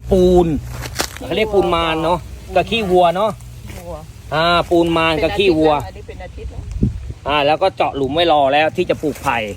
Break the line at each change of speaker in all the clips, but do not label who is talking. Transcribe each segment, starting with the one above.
ปูนเขาเรียกปูนมารเนาะกับขี้วัวเนาะปูนมารกับขี้วัว
อันนี้เป็นอาทิตย์แล้ว
แล้วก็เจาะหลุมไว้รอแล้วที่จะปลูกไผ่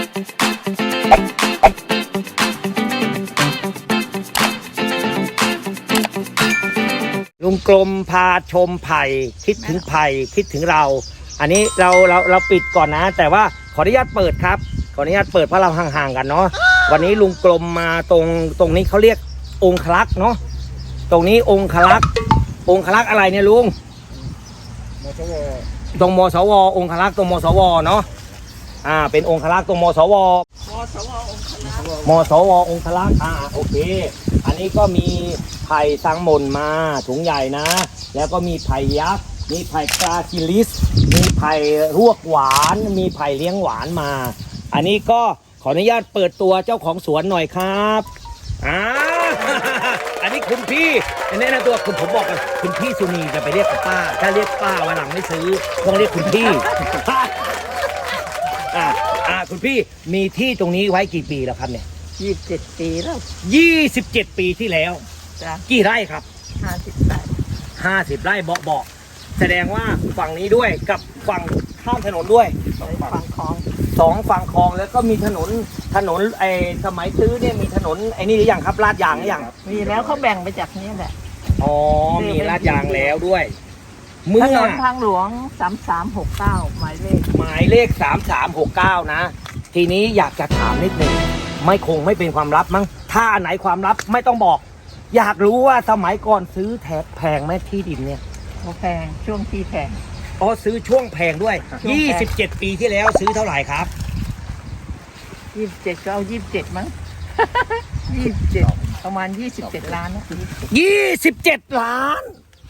ลุงกลมพาชมไผ่คิดถึงไผ่คิดถึงเราอันนี้เราปิดก่อนนะ แต่ว่าขออนุญาตเปิดครับขออนุญาตเปิดเพราะเราห่างๆกันเนาะวันนี้ลุงกลมมาตรงนี้เขาเรียกองคลักษ์เนาะตรงนี้องคลักษ์อะไรเนี่ยลุงตรงมสวองคลักษ์ตรงมสวเนาะเป็นองคลักษ์ตรงมสวมสวองคลักษ์โอเคอันนี้ก็มีไผ่สังมนมาถุงใหญ่นะแล้วก็มีไผ่ยักษ์มีไผ่กราซิลิสมีไผ่รวกหวานมีไผ่เลี้ยงหวานมาอันนี้ก็ขออนุญาตเปิดตัวเจ้าของสวนหน่อยครับอันนี้คุณพี่แนะนำตัวผมบอกกันคุณพี่สุนีจะไปเรียกป้าถ้าเรียกป้าวันหลังไม่ซื้อต้องเรียกคุณพี่คุณพี่มีที่ตรงนี้ไว้กี่ปีแล้วครับเนี่ย
27 ปีแล้ว
27 ปีที่แล้วกี่ไร่ครับ
50 ไร่
50 ไร่เบาๆแสดงว่าฝั่งนี้ด้วยกับฝั่งข้ามถนนด้วย
ฝั่งคลอง
2 ฝั่งคลองแล้วก็มีถนนสมัยซื้อเนี่ยมีถนนนี่หรือยังครับลาดยางหรือยัง
มีแล้วเขาแบ่งไปจากนี้แหละ
มีลาดยางแล้วด้วย
ถนนทางหลวง3369หมายเลข
3369นะทีนี้อยากจะถามนิดนึงไม่เป็นความลับมั้งถ้าอันไหนความลับไม่ต้องบอกอยากรู้ว่าสมัยก่อนซื้อแพงไหมที่ดินเนี่ย
แพงช่วงที่แพง
ซื้อช่วงแพงด้วย27 ปีที่แล้วซื้อเท่าไหร่ครับ
27ก็เอา27มั้ง27ประมาณ27 ล้านนะ
27 ล้าน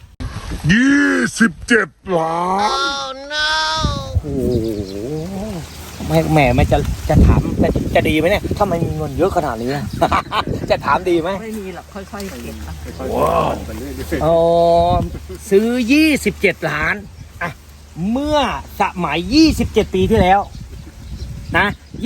27 ล้านโอ้โหแหมมันจะถามจะดีไหมเนี่ยถ้ามันมีเงินเยอะขนาดนี้จะถามดีไหม
ไม่มีหรอกค่อยๆเก็บ
ซื้อ27 ล้านเมื่อสมัย27 ปีที่แล้วนะ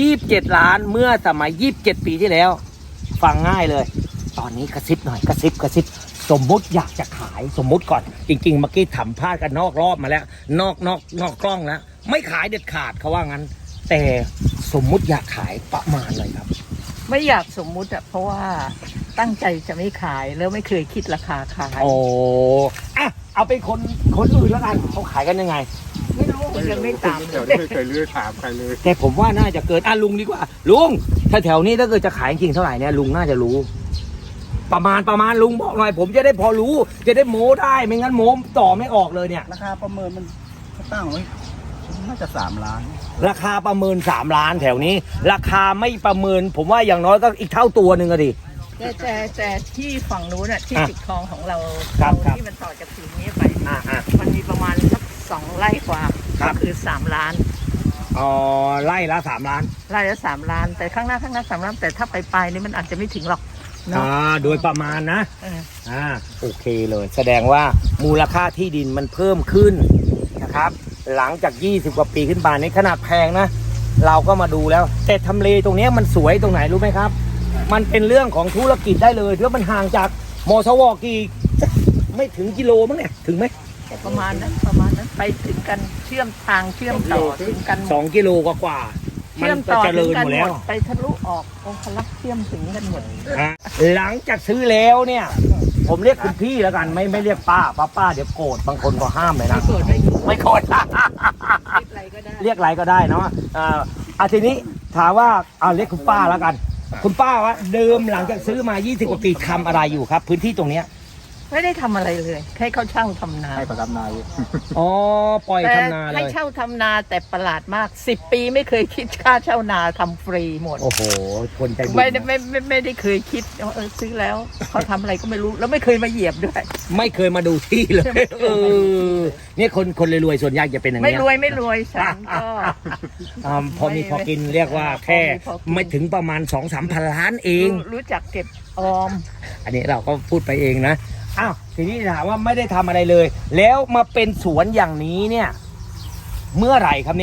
27 ล้านเมื่อสมัย27 ปีที่แล้วฟังง่ายเลยตอนนี้กระซิบหน่อยกระซิบสมมุติอยากจะขายสมมุติก่อนจริงๆเมื่อกี้ถามพลาดกันนอกรอบมาแล้วนอกกล้องแล้วไม่ขายเด็ดขาดเขาว่างั้นแต่สมมุติอยากขายประมาณเลยครับ
ไม่อยากสมมุติเพราะว่าตั้งใจจะไม่ขายแล้วไม่เคยคิดราคาขาย
เอาเป็นคนอื่นแล้วกันเขาขายกันยังไง
ไม่รู้มันยังไม่ตาม
ไม่เคยเลือกถามใครเลย
แต่ผมว่าน่าจะเกินลุงดีกว่าลุงถ้าแถวนี้ถ้าเกิดจะขายจริงเท่าไหร่เนี่ยลุงน่าจะรู้ประมาณลุงบอกหน่อยผมจะได้พอรู้จะได้โม้ได้ไม่งั้นโม้ต่อไม่ออกเลยเนี่ย
ราคาประเมินมันตั้งไว้น่าจะ3 ล้าน
ราคาประเมิน3 ล้านแถวนี้ราคาไม่ประเมินผมว่าอย่างน้อยก็อีกเท่าตัวหนึ่งอะดิ
แต่ที่ฝั่งนู้นที่ติดคลองของเราที่มันต่อจากถึงนี้ไปมันมีประมาณสัก2 ไร่กว่าก็คือ3 ล้าน
ไร่ละ3 ล้าน
ไร่ละ3 ล้านแต่ข้างหน้า3 ล้านแต่ถ้าไปนี่มันอาจจะไม่ถึงหรอก
โดยประมาณนะโอเคเลยแสดงว่ามูลค่าที่ดินมันเพิ่มขึ้นนะครับหลังจาก20 กว่าปีขึ้นมาในขนาดแพงนะเราก็มาดูแล้วแต่ทำเลตรงนี้มันสวยตรงไหนรู้ไหมครับมันเป็นเรื่องของธุรกิจได้เลยแล้วมันห่างจากมสวกี่ไม่ถึงกิโลมั้งเนี่ยถึงไหม
ประมาณนั้นไปถึงกันเชื่อมต่อถึงกัน
2 กิโลกว่า
เชื่อมต่อถึงกันหมดไปทะลุออกองคลักษ์เชื่อมถึงกันหมด
หลังจากซื้อแล้วเนี่ยผมเรียกคุณพี่แล้วกันไม่เรียกป้าเดี๋ยวโกรธบางคนก็ห้ามเลยนะไม่โกรธเรียกอะไรก็ได้เนาะทีนี้ถามว่าเรียกคุณป้าแล้วกันคุณป้าว่าเดิมหลังจากซื้อมา20 กว่าปีทำอะไรอยู่ครับพื้นที่ตรงเนี้ย
ไม่ได้ทำอะไรเลยให้เขาเช่าทำนา
ให้ประทำนาอยู่
ปล่อยทำนาเลย
ให้เช่าทำนาแต่ประหลาดมาก10 ปีไม่เคยคิดค่าเช่านาทำฟรีหมด
โอ้โหคนใจบุญ
ไม่ได้เคยคิดซื้อแล้วเขาทำอะไรก็ไม่รู้แล้วไม่เคยมาเหยียบด้วย
ไม่เคยมาดูที่เลยเนี่ยคนรวยๆส่วนใหญ่จะเป็นอย่างนี้
ไม่รวยฉันก็
พอมีพอกินเรียกว่าแค่ไม่ถึงประมาณ 2-3 พันล้านเอง
รู้จักเก็บออม
อันนี้เราก็พูดไปเองนะทีนี้ถามว่าไม่ได้ทำอะไรเลยแล้วมาเป็นสวนอย่างนี้เนี่ยเมื่อไหร่ครับเนี่ย
เป็น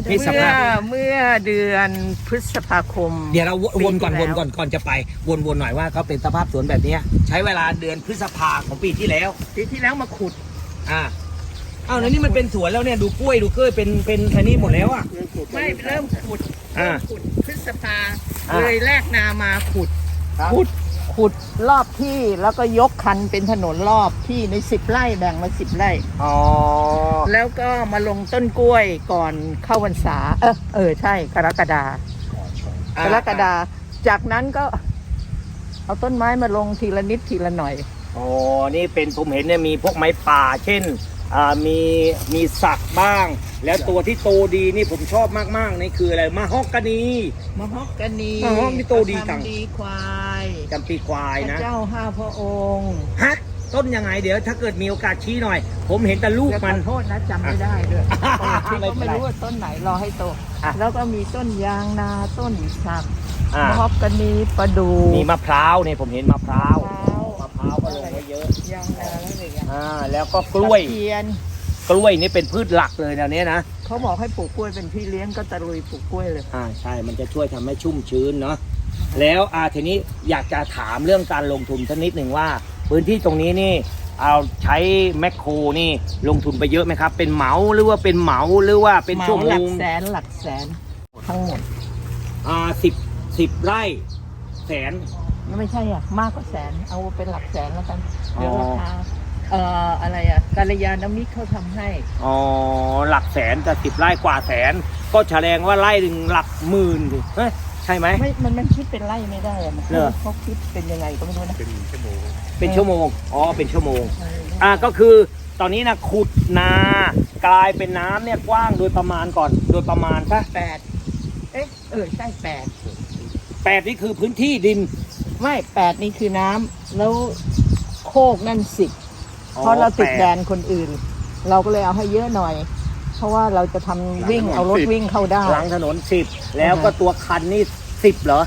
เมื่อเดือนพฤษภาคม
เดี๋ยวเราวนก่อน
ปี
วน
ที่แล้ว
ก่อนจะไปวนหน่อยว่าเขาเป็นสภาพสวนแบบเนี้ยใช้เวลาเดือนพฤษภาของปีที่แล้ว
ปีที่แล้วมาขุด
อ้าวแล้วนี่มันเป็นสวนแล้วเนี่ยดูกล้วยดูเกล้วยเป็นอันนี้หมดแล้วอ่ะ
ไม่เริ่มขุด
อ่า
พฤษภา
อ่า
เลยแลกนามาขุด
ครับ
ขุดรอบที่แล้วก็ยกคันเป็นถนนรอบที่ใน10 ไร่แบ่งมา10 ไร่
อ๋อ
แล้วก็มาลงต้นกล้วยก่อนเข้าพรรษาใช่กรกฎาจากนั้นก็เอาต้นไม้มาลงทีละนิดทีละหน่อย
อ๋อนี่เป็นผมเห็นเนี่ยมีพวกไม้ป่า เช่นมีสักบ้าง แล้วตัวที่โตดีนี่ผมชอบมากๆนี่คืออะไรมะฮอกกานี
มะฮอกกานี
มะฮอกนี่โตดีจัง
ดีควาย
จำปีควาย
พ
นะ
ระเจ้า5 พระองค์
ฮะต้นยังไงเดี๋ยวถ้าเกิดมีโอกาสชี้หน่อย ผมเห็นแต่ลูกมัน
ขอโทษนะจำไม่ได้ด้วย
ไม่
ที่
เป็นไร
ก็ไม่รู้ว่าต้นไหนรอให้โต
อ่ะ
แล้วก็มีต้นยางนาต้นสัก
อ่าม
ะฮอกกานีประดู่
มีมะพร้าวเนี่ยผมเห็นมะพร้าว
มะ
มะพร้าวก็ลงไว้เยอะ
ยางนาแล้วอะไรอย่างเงี้ย
แล้วก็กล้วย
ตะเทียน
กล้วยนี่เป็นพืชหลักเลยแนวเนี้ยนะ
เขาบอกให้ปลูกกล้วยเป็นพี่เลี้ยงก็ตะลุยปลูกกล้วยเลย
ใช่ มันจะช่วยทำให้ชุ่มชื้นเนาะ แล้วทีนี้อยากจะถามเรื่องการลงทุนสักนิดหนึ่งว่า พื้นที่ตรงนี้นี่เอาใช้แมคโครนี่ลงทุนไปเยอะไหมครับ เป็นเหมาหรือว่าเป็นเหมาหรือว่าเป็นชั่วโม
หลั
ง
กแสนทั้งหมด
สิบไร่แสน
ไม่ใช่มากกว่าแสนเอาเป็นหลักแสนแล้วกัน
อ๋อ
เดี๋ยวราคาอะไรกัลยาณมิตรเขาทำให้
หลักแสนแต่10 ไร่กว่าแสน ก็แสดงว่าไร่หนึ่งหลักหมื่นดิเฮ้ยใช่ไหม
ไม่มันคิดเป็นไร่ไม่ได้อะมัน
เหรอ
เขาคิดเป็นยังไงก็ไม่รู้นะ
เป็นชั่วโมงเป็นชั่วโมงก็คือตอนนี้นะขุดนากลายเป็นน้ำเนี่ยกว้างโดยประมาณก่อนโดยประมาณปะ
ใช่8
8นี่คือพื้นที่ดิน
ไม่8นี่คือน้ำแล้วโคกนั่น10เพราะเราติดแดนคนอื่น เราก็เลยเอาให้เยอะหน่อย เพราะว่าเราจะทำวิ่งเอารถวิ่งเข้าได้
หลังถนน10แล้วก็ตัวคันนี่10เหรอ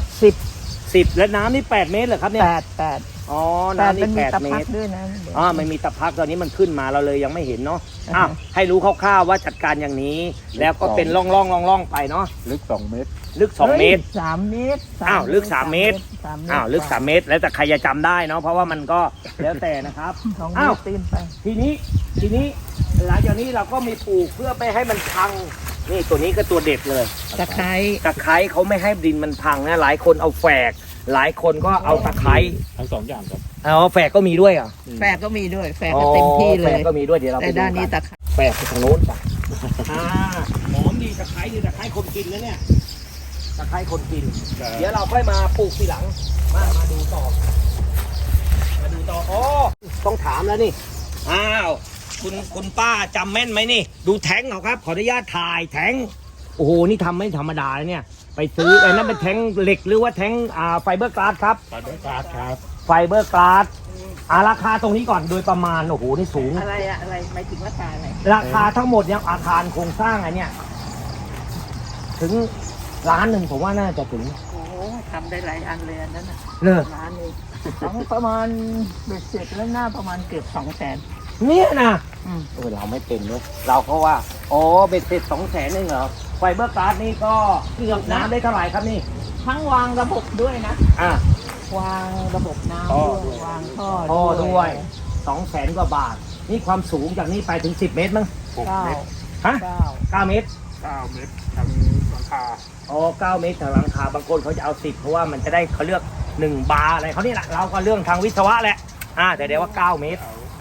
10แล้วน้ำนี่8 เมตรเหรอครับเนี่ย
8
อ๋อ
แต่
น้ำ
มัน
นี่
มีตะ
8 เม
พั
ต
ก
ร
ด้วยนะ
มันมีตะพักตอนนี้มันขึ้นมาเราเลยยังไม่เห็นเนาะ
อ่าฮะ
ให้รู้คร่าวๆว่าจัดการอย่างนี้ แล้วก็เป็นร่องๆไปเนาะ
ลึก2 เมตร
ลึก2 เมตร
3 เมตร
ลึก3 เมตร ลึก3 เมตร แล้วแต่ใครจะจำได้เนาะเพราะว่ามันก็แล้วแต่นะครับ
2 เม
อ้าว
ตรตีนไป
ทีนี้หลังจากนี้เราก็มีปลูกเพื่อไม่ให้มันพังนี่ตัวนี้ก็ตัวเด็ดเลย
ตะไคร้
ตะไคร้เขาไม่ให้ดินมันพังนะหลายคนเอาแฝกหลายคนก็เอาตะไคร้
ทั้ง2 อย่างครับ
แฝกก็มีด้วยอ่ะ
แฝกก็มีด้วยแฝกก็เต็มที่เล
แฝ
ย
กก็มีด้วยเดี๋ยวเราไป
แต่
ดู
ด้านนี้
กั
ตะไคร้
แฝกไปทางโน้นจ้ะหอมดีตะไคร้ดีตะไคร้คนกินนะเนี่ยตะไคร้คนกิน เดี๋ยวเราค่อยมาปลูกทีหลังมาดูต่อต้องถามแล้วนี่คุณป้าจำแม่นไหมนี่ ดูแท้งเขาครับขออนุญาตถ่ายแท้งโอ้โหนี่ทำไม่ธรรมดาเลยเนี่ยไปซื้อไอ้นั่นเป็นแท้งเหล็กหรือว่าแท้งไฟเบอร์กลาสครับ
ตัดด้วยการ์ดครับ
ไฟเบอร์กลาสราคาตรงนี้ก่อนโดยประมาณโอ้โหนี่สูง
อะไรหมายถึงราคาอะไร
ราคาทั้งหมดเนี่ยอาคารโครงสร้างอะไรเนี่ยถึงล้านหนึ่งผมว่าน่าจะถึง
โอ้โหทำได้หลายอันเลยอันนั้นน่ะ
เลย
ร้านนึงประมาณเบ็ดเสร็จแล้วหน้าประมาณเกือบ200,000
เนี่ยนะเราไม่เป็นเลยเราเพราะว่าเบ็ดเสร็จ200,000เองเหรอไฟเบอร์กลาสนี่ก็เกือบน้ำได้เท่าไหร่ครับนี่
ทั้งวางระบบด้วยนะ
อ่ะ
วางระบบน้ำ
ท่อ
ด้วยวางท่อ
พ่อด้วย200,000 กว่าบาท นี่ความสูงจากนี้ไปถึง10 เมตรมั้ง
9
ฮะ
9
9 เมตร
9 เมตรทางหลังคา
9 เมตรจากหลังคาบางคนเขาจะเอา10เพราะว่ามันจะได้เขาเลือก1 บาร์อะไรเขานี่แหละเราก็เรื่องทางวิศวะแหละแต่เดี๋ยวว่า9 เมตร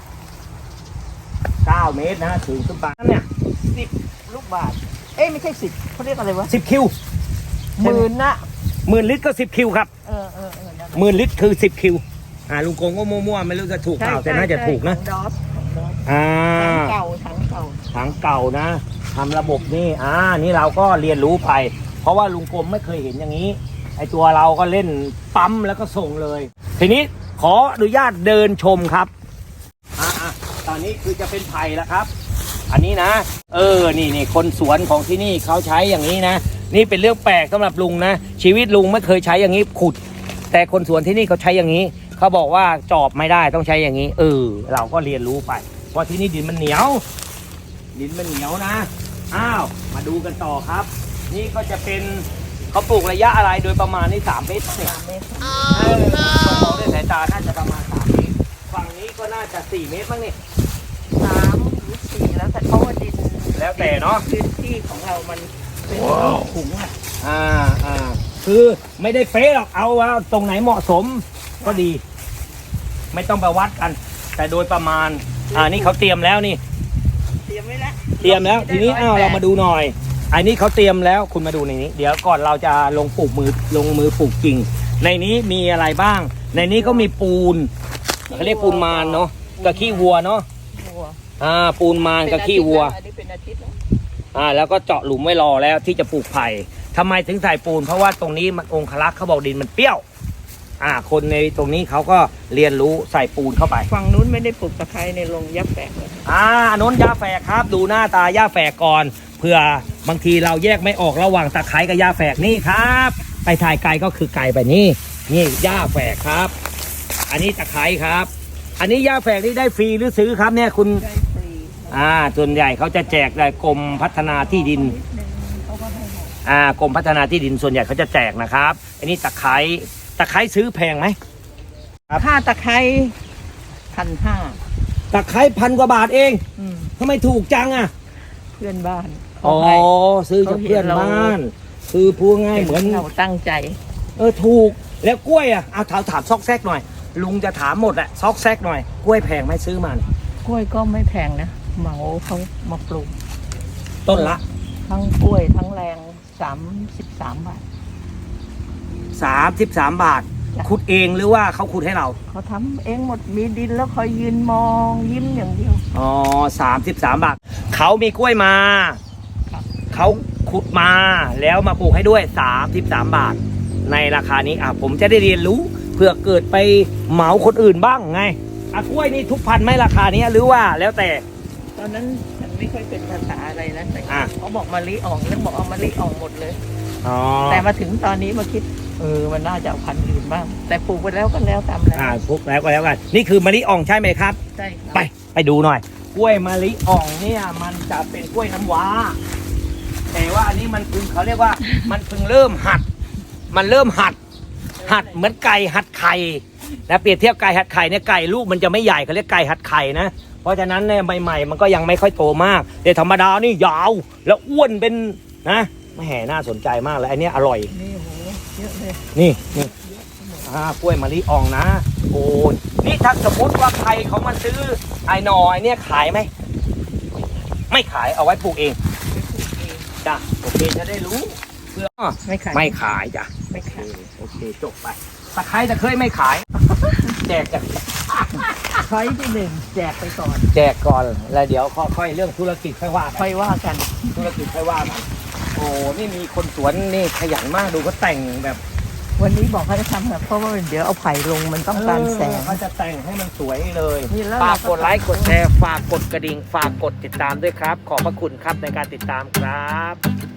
9 เมตรนะถึงขึ้นไปเนี่ย
10 ลูกบาทไม่ใช่10เขาเรียกอะไรวะ
10 คิว
หมื่นนะ
10,000 ลิตรก็10 คิวครับ
นั่น
10,000 ลิตรคือ10 คิวลุงโกงก็มั่วๆไม่รู้จะถูกเปล่าแต่น่าจะถูกนะ
ของดอส ถังเก่า
ถังเก่านะทำระบบนี่นี่เราก็เรียนรู้ไป เพราะว่าลุงกรมไม่เคยเห็นอย่างนี้ไอตัวเราก็เล่นปั๊มแล้วก็ส่งเลย ทีนี้ขออนุญาตเดินชมครับตอนนี้คือจะเป็นไผ่แล้วครับ อันนี้นะนี่คนสวนของที่นี่เขาใช้อย่างนี้นะนี่เป็นเรื่องแปลกสำหรับลุงนะชีวิตลุงไม่เคยใช้อย่างนี้ขุด แต่คนสวนที่นี่เขาใช้อย่างนี้เขาบอกว่าจอบไม่ได้ต้องใช้อย่างนี้เราก็เรียนรู้ไปเพราะที่นี่ดินมันเหนียวนะอ้าวมาดูกันต่อครับ นี่ก็จะเป็นเขาปลูกระยะอะไรโดยประมาณนี่3 เมตรเนี่ย
3 เมตร
มองด้วยสายตาน่าจะประมาณ3 เมตรฝั่งนี้ก็น่าจะ4 เมตรบ้างนี่
3 หรือ 4 แล้วแต่เพราะว่าดิน
แล้วแต่เนาะ
พื้นที่ของเรามันเป็นถุงอ่ะ
คือไม่ได้เฟ้หรอกเอาว่าตรงไหนเหมาะสมก็ดี ไม่ต้องไปวัดกัน แต่โดยประมาณนี่เขาเตรียมแล้วนี่
เตรียมไว้แล้ว
เตรียมแล้วทีนี้เรามาดูหน่อยอันนี้เขาเตรียมแล้วคุณมาดูในนี้ เดี๋ยวก่อนเราจะลงมือปลูกจริง ในนี้มีอะไรบ้าง ในนี้ก็มีปูนเขาเรียกปูนมารเนาะกับขี้วัวเนาะ
วัว
ปูนมารกับขี้วัว
อันนี้เป็นอาทิตย์แล้ว
แล้วก็เจาะหลุมไว้รอแล้วที่จะปลูกไผ่ทำไมถึงใส่ปูนเพราะว่าตรงนี้มันองคลักษ์เขาบอกดินมันเปรี้ยวคนในตรงนี้เขาก็เรียนรู้ใส่ปูนเข้าไป
ฝั่งนู้นไม่ได้ปลูกตะไคร้ในลงยับแฝกเลย
โน้นย่าแฝกครับ ดูหน้าตาย่าแฝกก่อนเผื่อบางทีเราแยกไม่ออกระหว่างตะไคร้กับย่าแฝกนี่ครับไปถ่ายไกลก็คือไกลไปนี่ย่าแฝกครับ อันนี้ตะไคร้ครับ อันนี้ย่าแฝกนี่ได้ฟรีหรือซื้อครับเนี่ยคุณ
ได้ฟรี
ส่วนใหญ่เขาจะแจกได้กรมพัฒนาที่ดิน
เขาก็ให้หมด
กรมพัฒนาที่ดินส่วนใหญ่เขาจะแจกนะครับ อันนี้ตะไคร้ซื้อแพงไหม ครับ
ค่าตะไคร้1,500
ตะไคร้1,000 กว่าบาทเอง
อืม
ทำไมถูกจังอ่ะ
เพื่อนบ้าน
อ๋
เขา
อ
ให้
ซื้อจากเพื่อนบ้านคือพูดง่ายเหมือน
เราตั้งใจ
ถูกแล้วกล้วยอ่ะถามซอกแซกหน่อย ลุงจะถามหมดแหละซอกแซกหน่อยกล้วยแพงไหมซื้อมัน
กล้วยก็ไม่แพงนะเหมาเขามาปลูก
ต้นละ
ทั้งกล้วยทั้งแรง33 บาท
33 บาท
จ้ะ
ขุดเองหรือว่าเขาขุดให้เรา
เขาทำเองหมดมีดินแล้วคอยยืนมองยิ้มอย่างเดียว
อ๋อ33 บาทเขามีกล้วยมา
ครับ
เขาขุดมาแล้วมาปลูกให้ด้วย33 บาท ในราคานี้ผมจะได้เรียนรู้เพื่อเกิดไปเหมาคนอื่นบ้างไงกล้วยนี่ทุกพันไหมราคานี้หรือว่าแล้วแต่
ตอนนั้นฉันไม่ค่อยเป็นภาษาอะไรนะแต่
อ่ะ
เขาบอกมะลิอ่องแล้วบอกเอามะลิอ่องหมดเลย
อ๋อ
แต่มาถึงตอนนี้มาคิดมันน่าจะเอาพันธุ์อื่นบ้าง แต่ปลูกไปแล้วก็แล้วตามแล้ว
พวกแล้วก็แล้วกันนี่คือมะลิอ่องใช่ไหมครับ
ใช่ครับ
ไปดูหน่อย กล้วยมะลิอ่องเนี่ยมันจะเป็นกล้วยน้ำว้า แต่ว่าอันนี้มันเพิ่งเขาเรียกว่า มันเพิ่งเริ่มหัด มันเริ่มหัดเหมือนไก่หัดไข่นะเปรียบเทียบไก่หัดไข่เนี่ยไก่ลูกมันจะไม่ใหญ่เขาเรียกไก่หัดไข่นะเพราะฉะนั้นเนี่ยใหม่ๆมันก็ยังไม่ค่อยโตมากแต่ธรรมดานี่ยาวแล้วอ้วนเป็นนะแหมน่าสนใจมากเลยอันนี้อร่อย
นี่โหเยอะเลย
นี่กล้วยมะลิอ่องนะโอ้นี่ถ้าสมมติว่าใครเขามาซื้อไอ้หนอไอ้เนี่ยขายไหมไม่ขายเอาไว้ปลูกเองจ้ะโอเคจะได้รู้เพื่อ
ไม่ขาย
ไม่ขายจ้ะ
ไม่ขาย
โอเคจบไปตะไคร้ตะเคยไม่ขาย แจกจาก
ช้อยที่ 1แจกไปก่อน
แจกก่อนแล้วเดี๋ยวค่อยๆเรื่องธุรกิจค่อยว่า
ค่อยว่ากัน
ธุรกิจค่อยว่ากันโอ้นี่มีคนสวนนี่ขยันมากดูเขาแต่งแบบ
วันนี้บอกเขาจะทำแบบเพราะว่าเดี๋ยวเอาไผ่ลงมันต้องการแสง
เขาจะแต่งให้มันสวยเลย
นี่แล้ว
ฝากกดไลค์กดแชร์ฝากกดกระดิ่งฝากกดติดตามด้วยครับ ขอบพระคุณครับในการติดตามครับ